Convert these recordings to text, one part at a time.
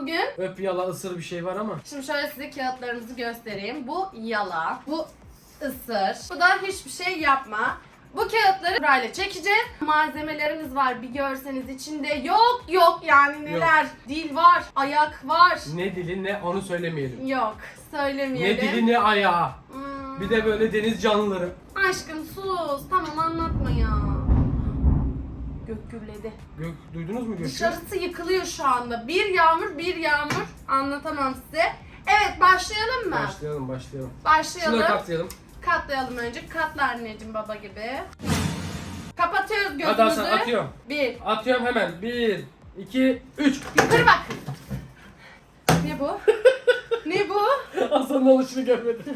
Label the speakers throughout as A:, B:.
A: bugün?
B: Öp yala ısır bir şey var ama.
A: Şimdi şöyle size kağıtlarımızı göstereyim. Bu yala, bu ısır, bu da hiçbir şey yapma. Bu kağıtları burayla çekeceğiz. Malzemelerimiz var, bir görseniz içinde yok yani neler. Dil var, ayak var.
B: Ne dili ne onu söylemeyelim.
A: Yok, söylemeyelim.
B: Ne dili ne ayağı.
A: Hmm.
B: Bir de böyle deniz canlıları.
A: Aşkım sus, tamam anlatma ya. Gök gürledi.
B: Gök, duydunuz mu gökü?
A: Dışarısı yıkılıyor şu anda. Bir yağmur. Anlatamam size. Evet, başlayalım mı?
B: Başlayalım.
A: Başlayalım.
B: Şunları katlayalım.
A: Katlayalım önce. Katla anneciğim baba gibi. Kapatıyoruz gözümüzü.
B: Hadi Hasan atıyorum.
A: Bir.
B: Atıyorum hemen. 1, 2, 3.
A: Yukarı bak. Ne bu? Ne bu?
B: Hasan'ın alışını görmedim.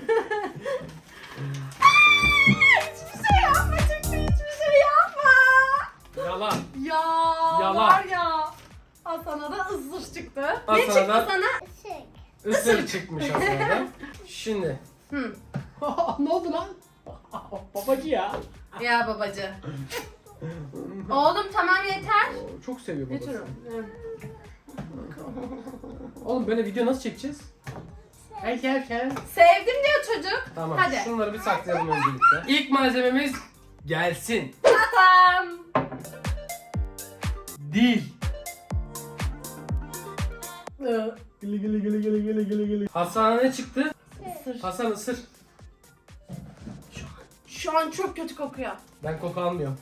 A: Hiçbir şey yapma çıktı. Hiçbir şey yapma.
B: Yalan.
A: Ya
B: Yalan.
A: var ya. Hasan'a da ısır çıktı. Ne
B: Hasan'a
A: çıktı
B: da-
A: sana?
B: Isır çıkmış Hasan'dan. Şimdi.
A: Hı.
B: Ne oldu lan? Babacı ya.
A: Ya babacı. Oğlum tamam yeter.
B: Çok seviyor babası.
A: Götürün.
B: Oğlum böyle video nasıl çekeceğiz?
A: Sevdim diyor çocuk.
B: Tamam.
A: Hadi.
B: Şunları bir saklayalım öncelikle. İlk malzememiz gelsin.
A: Tamam.
B: Dil. Gili. Hasan'a ne çıktı?
A: Isır.
B: Hasan ısır.
A: Şu an çok kötü kokuyor.
B: Ben koku almıyorum.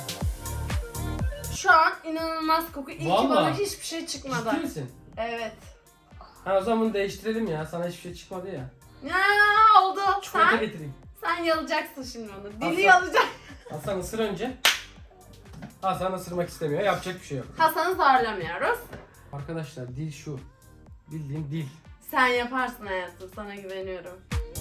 A: Şu an inanılmaz koku. İyi ki
B: Vallahi.
A: bana hiçbir şey çıkmadı.
B: Ciddi misin?
A: Evet.
B: Ha o zaman bunu değiştirelim ya. Sana hiçbir şey çıkmadı ya.
A: Ya oldu.
B: Çikolata
A: Sen,
B: getireyim.
A: sen yalayacaksın şimdi onu. Dili
B: Hasan.
A: yalayacak.
B: Hasan ısır önce. Hasan ısırmak istemiyor. Yapacak bir şey yok.
A: Hasan'ı zorlamıyoruz.
B: Arkadaşlar dil şu. Bildiğin dil.
A: Sen yaparsın hayatım. Sana güveniyorum.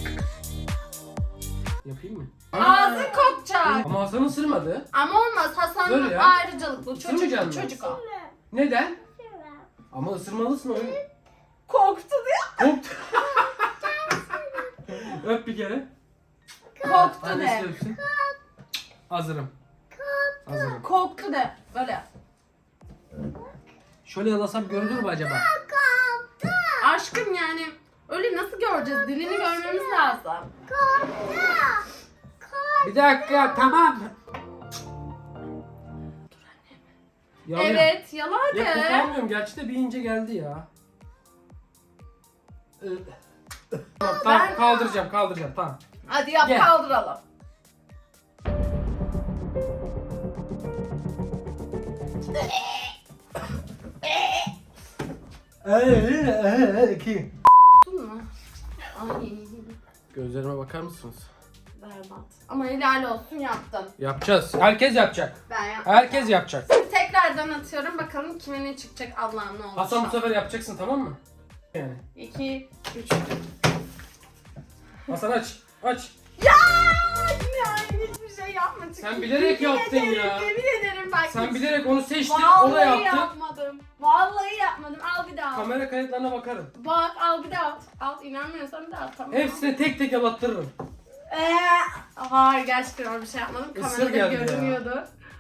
B: Yapayım mı?
A: Ağzın kokacak.
B: Ama Hasan ısırmadı.
A: Ama olmaz. Hasan'ın
B: Dur ya.
A: ayrıcalıklı.
B: Isırmayacak mısın?
A: Çocuk o.
B: Neden? Ama ısırmalısın öyle.
A: Korktu diyor.
B: Hop. Öp bir kere.
A: Korktu
B: Annesi
A: de.
B: öpsün. Hazırım. Hazırım.
A: Korktu de. Böyle yap.
B: Şöyle yalasam görülür mü acaba?
A: Aşkım yani öyle nasıl göreceğiz? Dilini görmemiz lazım.
B: Bir dakika tamam. Yalıyor.
A: Evet, yala hadi.
B: Ya kokulamıyorum. Gerçi de bir ince geldi ya. Tamam kaldıracağım tamam.
A: Hadi yap,
B: Gel.
A: kaldıralım.
B: Ki.
A: Tuttun mu? Ay,
B: Gözlerime bakar mısınız?
A: berbat. Ama helal olsun yaptın.
B: Yapacağız. Herkes yapacak.
A: Ben yaptım.
B: Herkes yapacak.
A: Şimdi tekrardan atıyorum. Bakalım kime ne çıkacak Allah'ım ne olacak.
B: Hasan bu sefer yapacaksın tamam mı? Yani.
A: 2, 3.
B: Hasan aç.
A: Ya! Yani hiçbir şey yapma. Çünkü
B: Sen bilerek
A: yemin
B: yaptın
A: ederim,
B: ya.
A: Yemin ederim bak.
B: Sen bilerek onu seçtin,
A: Vallahi
B: o da yaptı.
A: yapmadım. Vallahi yapmadım. Al bir daha.
B: Kamera kayıtlarına bakarım.
A: Bak al bir daha at. Al inanmıyorsan bir daha at. Tamam.
B: Hepsini tek tek yalattırırım.
A: Hayır gerçekten öyle bir şey yapmadım.
B: Isır
A: Kamerada
B: geldi ya.
A: görünüyordu.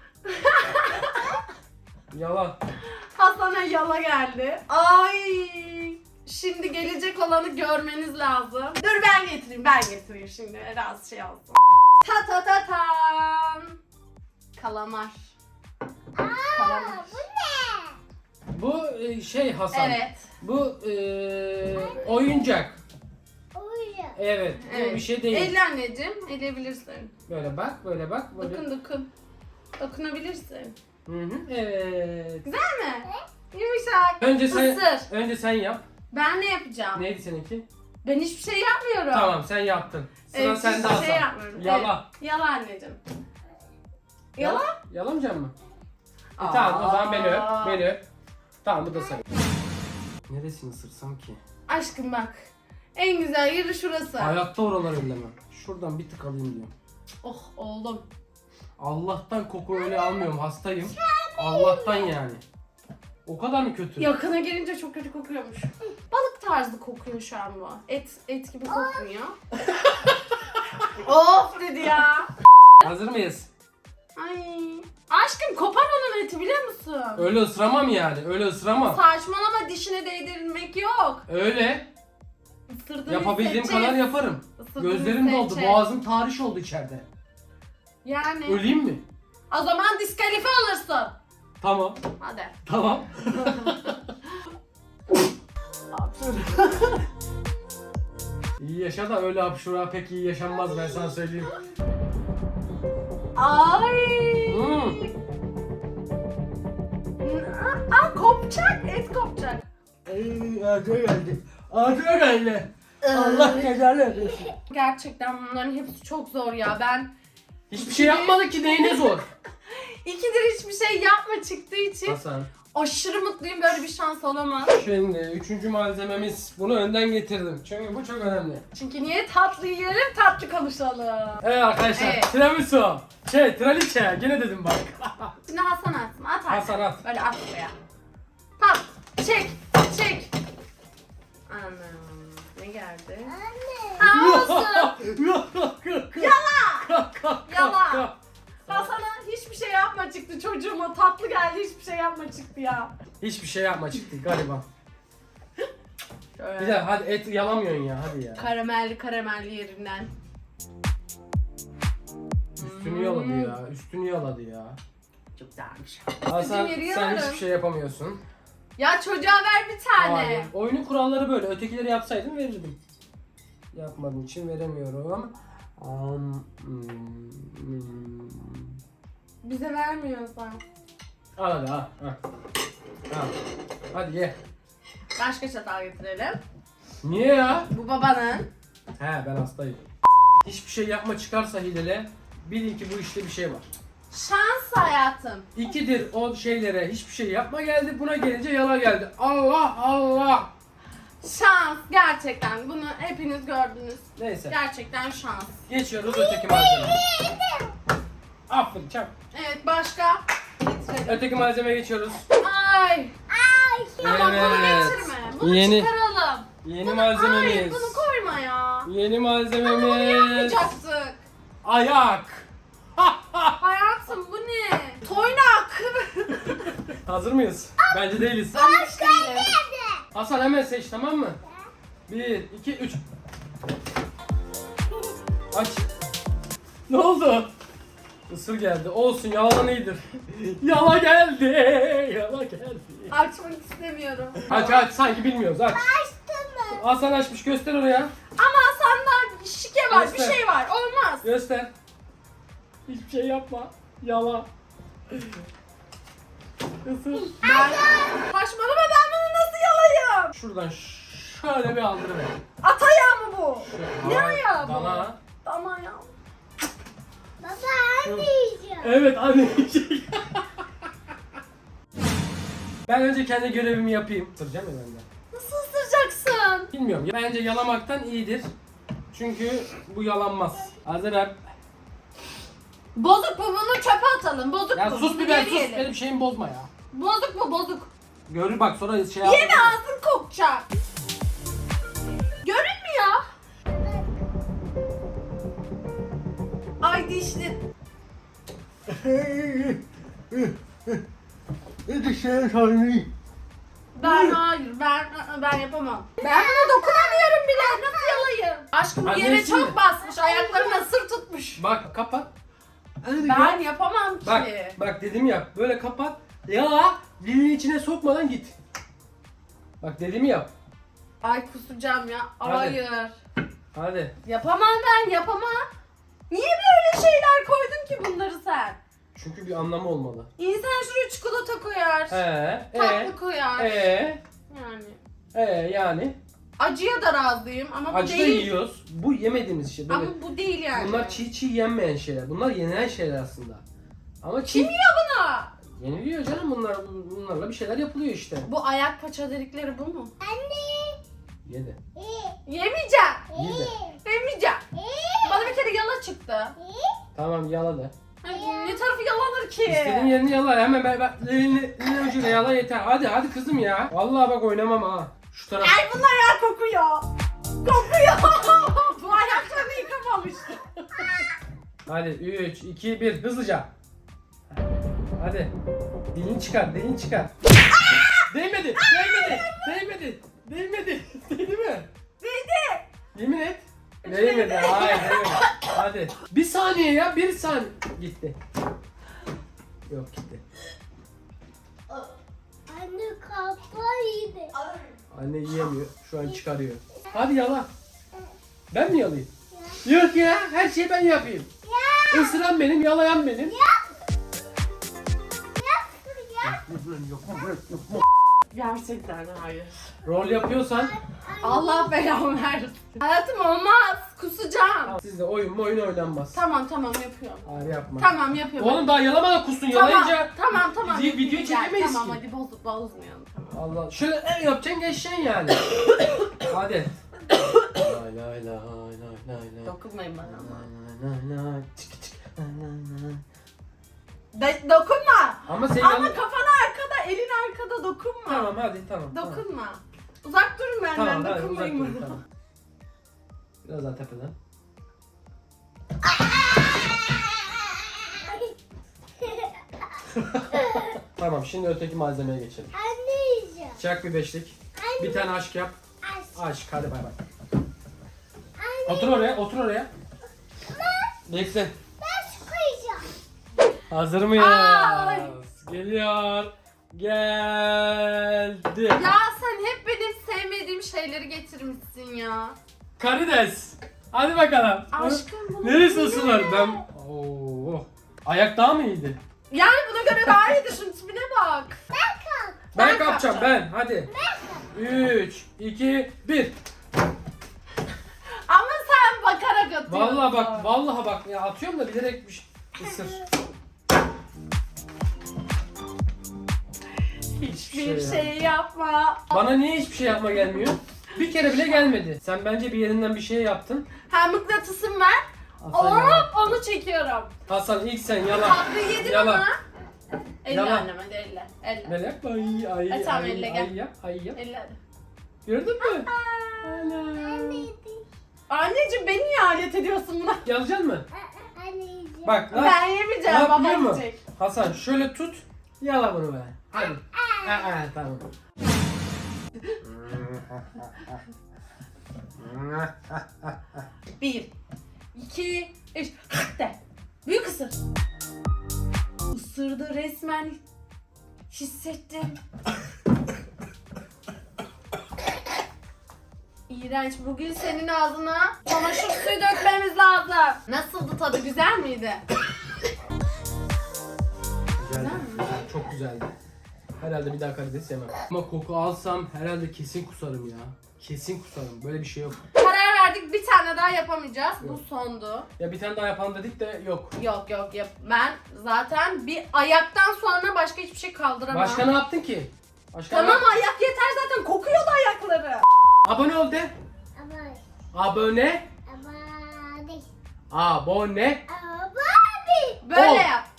B: Yalan.
A: Hasan'a yala geldi. Ay. Şimdi gelecek olanı görmeniz lazım. Dur ben getireyim şimdi. Biraz şey olsun. Ta ta ta tam. Kalamar. Kalamar.
B: Bu şey Hasan.
A: Evet.
B: Bu oyuncak. Evet, bu
A: Evet.
B: bir şey değil.
A: Elle anneciğim. Eleyebilirsin.
B: Böyle bak, böyle.
A: Dokun. Dokunabilirsin.
B: Hı, evet.
A: Güzel mi? Yumuşak.
B: Önce sen yap.
A: Ben ne yapacağım?
B: Neydi seninki?
A: Ben hiçbir şey yapmıyorum.
B: Tamam, sen yaptın. Sıra
A: Evet,
B: sende
A: hiçbir
B: Hasan.
A: şey yapmıyorum.
B: Yala.
A: Evet. Yala anneciğim. Yala.
B: Yalamayacak mı? Tamam, o zaman beni öp. Tamam, bu da sen. Neresini ısırsam ki?
A: Aşkım bak. En güzel yeri şurası.
B: Hayatta oraları ellemem. Şuradan bir tık alayım diyorum.
A: Oh oğlum.
B: Allah'tan koku öyle almıyorum, hastayım. Allah'tan yani. O kadar mı kötü?
A: Yakına gelince çok kötü kokuyormuş. Balık tarzı kokuyor şu an bu. Et gibi kokmuyor. Of dedi ya.
B: Hazır mıyız?
A: Ay. Aşkım kopar onun eti biliyor musun?
B: Öyle ısıramam yani. Öyle ısıramam.
A: Saçmalama, dişine değdirmek yok.
B: Öyle.
A: Isırdığını
B: Yapabildiğim
A: hissedeceğiz.
B: kadar yaparım.
A: Isırdığını
B: Gözlerim doldu.
A: hissedeceğiz.
B: Boğazım tahriş oldu içeride.
A: Yani.
B: Öleyim mi?
A: O zaman diskalifiye olursun.
B: Tamam.
A: Hadi.
B: Tamam. İyi yaşa da öyle hapşura pek iyi yaşanmaz, ben sana söyleyeyim.
A: Ay. Kopacak. Et kopacak.
B: Ağzına geldi. Ağzına geldi. Allah cezanı versin.
A: Gerçekten bunların hepsi çok zor ya. Ben
B: Hiçbir şey yapmadık ki, neyine zor?
A: ikidir hiçbir şey yapma çıktığı için
B: Hasan.
A: aşırı mutluyum. Böyle bir şans olamaz.
B: Şimdi üçüncü malzememiz. Bunu önden getirdim. Çünkü bu çok önemli.
A: Çünkü niye tatlı yiyelim, tatlı konuşalım.
B: Evet arkadaşlar.
A: Evet.
B: Tiramisu. Traliçe. Gene dedim bak.
A: Şimdi Hasan atsın. At artık.
B: Hasan at.
A: Böyle at buraya. Tamam. Çek. Çek. Anam. Ne geldi? Anne. Olsun. Yala. Yala. Hasan'a hiçbir şey yapma çıktı çocuğuma. Tatlı geldi, hiçbir şey yapma çıktı ya.
B: Hiçbir şey yapma çıktı galiba.
A: Şöyle.
B: Bir de hadi et yalamıyorsun ya, hadi ya.
A: Karamelli yerinden.
B: Üstünü yaladı ya. Üstünü yaladı ya.
A: Çok güzelmiş.
B: Hasan
A: yeri
B: sen
A: yalarım.
B: hiçbir şey yapamıyorsun.
A: Ya çocuğa ver bir tane.
B: Hayır. Oyunun kuralları böyle. Ötekileri yapsaydım verirdim. Yapmadığım için veremiyorum.
A: Bize vermiyorsan.
B: Al hadi al. Al. Hadi ye.
A: Başka çatal getirelim.
B: Niye ya?
A: Bu babanın.
B: He, ben hastayım. Hiçbir şey yapma çıkarsa hilele, bilin ki bu işte bir şey var.
A: Şans hayatım.
B: İkidir o şeylere hiçbir şey yapma geldi, buna gelince yala geldi. Allah Allah.
A: Şans gerçekten. Bunu hepiniz gördünüz.
B: Neyse.
A: Gerçekten şans.
B: Geçiyoruz öteki malzemeye. Aferin çak.
A: Evet, başka getirelim.
B: Öteki malzemeye geçiyoruz.
A: Ay. Tamam, bunu getirme. Bunu
B: Yeni
A: çıkaralım.
B: yeni
A: Ay,
B: malzememiz.
A: bunu koyma ya.
B: Yeni
A: Ama bunu
B: malzememiz.
A: yapmayacaktık.
B: Ayak.
A: Hayatım bu ne? Toynak.
B: Hazır mıyız? Bence değiliz.
A: Ben hiç değilim.
B: Hasan hemen seç, tamam mı? 1, 2, 3. Aç. Ne oldu? Isır geldi. Olsun, yalan iyidir. Yala geldi. Yala geldi.
A: Açmak istemiyorum.
B: Aç sanki bilmiyoruz, aç. Hasan açmış, göster oraya.
A: Ama senden şike var,
B: Göster.
A: bir şey var. Olmaz.
B: Göster. Hiçbir şey yapma. Yala. Isır.
A: Ben... Saçmalama, ben bunu nasıl yalayayım?
B: Şuradan şöyle bir aldırıver.
A: At ayağı mı bu? Ne
B: Dana-
A: ayağı bu?
B: Dana.
A: Dana ya.
B: Evet, anne yiyecek. Ben önce kendi görevimi yapayım. Isıracağım ya ben de.
A: Nasıl ısıracaksın?
B: Bilmiyorum. Bence yalamaktan iyidir. Çünkü bu yalanmaz. Hazır hep.
A: Bozuk bu, bunu çöpe atalım. Bozuk
B: Ya
A: bu.
B: sus
A: bunu
B: bir ben
A: geri
B: sus.
A: yiyelim.
B: Benim şeyimi bozma ya.
A: Bozuk bu, bozuk.
B: Görür bak sonra şey
A: Yeme,
B: yapma.
A: ağzın kokacak. Görünmüyor. Ay dişli.
B: Dişlerim sarmayayım.
A: Ben hayır, ben yapamam. Ben buna dokunamıyorum bile. Nasıl yalayayım? Aşkım
B: Anne,
A: yere
B: şimdi.
A: çok basmış. Ayaklarına sır tutmuş.
B: Bak kapat.
A: Ben yapamam ki.
B: Bak dedim yap. Böyle kapat. Yala. Dilini içine sokmadan git. Bak dediğimi yap.
A: Ay kusacağım ya.
B: Hadi.
A: Hayır.
B: Hadi.
A: Yapamam ben, yapamam. Niye böyle şeyler koydun ki bunları sen?
B: Çünkü bir anlamı olmalı.
A: İnsan şuraya çikolata koyar. Tatlı koyar. Yani.
B: Yani.
A: Acıya da razıyım ama bu
B: Acı da
A: değil.
B: yiyoruz. Bu yemediğimiz şey. Böyle.
A: Ama bu değil yani.
B: Bunlar çiğ yenmeyen şeyler. Bunlar yenilen şeyler aslında. Ama
A: Kim yiyor bunu?
B: yeniliyor canım bunlar. Bunlarla bir şeyler yapılıyor işte.
A: Bu ayak paça delikleri bu mu?
B: Yedi.
A: Yemeyeceğim.
B: Yedi.
A: Yemeyeceğim. Bana bir kere yala çıktı.
B: Tamam yala da.
A: Ay, ne tarafı yalanır ki?
B: İstediğin yerini yala. Hemen ben elini ucuyla yala yeter. Hadi kızım ya. Vallahi bak oynamam ha. Şu taraf.
A: Ay bunlar ya kokuyor. Kokuyor. Bu ayaklarını yıkamamış.
B: Hadi 3, 2, 1 hızlıca. Hadi. Dilini çıkar, dilini çıkar. Değmedi, değmedi. Değdi mi?
A: Değdi.
B: Yemin et. Değmedi, hayır değmedi. Hadi. Bir saniye ya, bir saniye. Gitti. Yok gitti.
C: Anne kafayı.
B: Anne yiyemiyor, şu an çıkarıyor. Hadi yala. Ben mi yalayayım? Yok ya, her şeyi ben yapayım. Isıran benim, yalayan benim.
A: Gerçekten hayır.
B: Rol yapıyorsan
A: Allah belamı versin. Hayatım olmaz. Kusacağım.
B: sizde oyun oynanmaz.
A: Tamam yapıyorum.
B: Hayır yapma.
A: Tamam yapıyorum.
B: Oğlum daha yalamadan kusun, yalayınca
A: Tamam.
B: video çekemeyiz
A: Tamam
B: ki.
A: hadi bozmayalım. Tamam.
B: Allah, şöyle yapacaksın, geçeceksin yani. Hadi. Lay.
A: Dokunmayın bana ama.
B: Lay. Çık.
A: Dokunma.
B: Ama sen
A: Ama kafan arkada, elin arkada dokunma.
B: Tamam hadi tamam.
A: Dokunma. Uzak durun benden,
B: Tamam hadi uzak
A: dokunmayın
B: dur,
A: bana.
B: tamam. Biraz daha tepeden. Tamam, şimdi öteki malzemeye geçelim.
C: Anne yiyeceğim.
B: Çak bir beşlik. Bir tane aşk yap. Aşk, hadi bay bay. Otur oraya. Bekle.
C: Ben su koyacağım.
B: Hazır mıyız?
A: Ay.
B: Geliyor. Geldi.
A: Ya sen hep benim sevmediğim şeyleri getirmişsin ya.
B: Karides. Hadi bakalım.
A: Aşkım bunu
B: Neresi
A: yine
B: ısınır?
A: mi?
B: Ben... Oo. Ayak daha mı iyiydi?
A: Yani buna göre daha iyiydi, şunun tipine bak.
B: Ben kapacağım ben. Hadi. 3, 2, 1.
A: Ama sen bakarak atıyorsun.
B: Vallahi bak ya, atıyorum da bilerek bir şey ısır.
A: Hiçbir
B: şey
A: şey yapma.
B: Bana niye hiçbir şey yapma gelmiyor? Bir kere bile gelmedi. Sen bence bir yerinden bir şey yaptın.
A: Ha, mıknatısım ver.
B: Hasan,
A: Hop onu çekiyorum.
B: Hasan ilk sen yala.
A: Tatlıyı yedin
B: Yala.
A: ama. Elle
B: Yala.
A: annem hadi elle. Elle.
B: Böyle yap. Ay
A: tamam, elle gel.
B: yap. Ay yap.
A: Elle hadi.
B: Gördün mü? Ana.
A: Anneciğim beni niye alet ediyorsun buna?
B: Yalayacaksın mı?
C: Anne yiyeceğim.
B: Bak lan.
A: Ben
B: Ne
A: yemeyeceğim,
B: yap
A: baba
B: biliyor musun?
A: yiyecek.
B: Hasan şöyle tut. Yala bunu be. Hadi. Tamam.
A: Bir, iki, üç. De. Büyük ısır. Isırdı resmen. Hissettim. İğrenç. Bugün senin ağzına çamaşır suyu dökmemiz lazım. Nasıldı tadı? Güzel miydi?
B: Güzeldi. Çok güzeldi. Herhalde bir daha karides yemem. Ama koku alsam herhalde kesin kusarım ya. Kesin kusarım. Böyle bir şey yok.
A: Karar verdik, bir tane daha yapamayacağız. Bu sondu.
B: Ya bir tane daha yapalım dedik de yok.
A: Yok yap. Ben zaten bir ayaktan sonra başka hiçbir şey kaldıramam.
B: Başka ne yaptın ki? Başka
A: Tamam, ayak yeter zaten, kokuyordu ayakları.
B: Abone ol de.
C: Ama
B: Abone. Abone.
A: Böyle
B: Ol.
A: yaptı.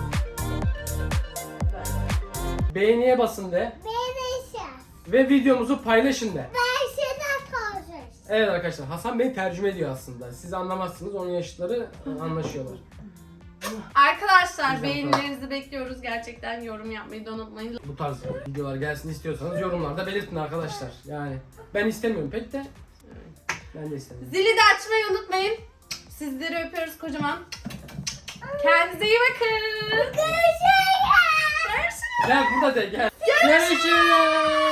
B: Beğeniye basın de. Ve videomuzu paylaşın de. Evet arkadaşlar, Hasan beni tercüme ediyor aslında. Siz anlamazsınız, onun yaşıtları anlaşıyorlar.
A: Arkadaşlar
B: Güzel,
A: beğenilerinizi bekliyoruz. Gerçekten yorum yapmayı da unutmayın.
B: Bu tarz videolar gelsin istiyorsanız yorumlarda belirtin arkadaşlar. Yani ben istemiyorum pek de. Ben de istemiyorum.
A: Zili de açmayı unutmayın. Sizleri öpüyoruz kocaman. Kendinize iyi bakın. Görüşürüz.
B: Gel burada de gel. Görüşürüz.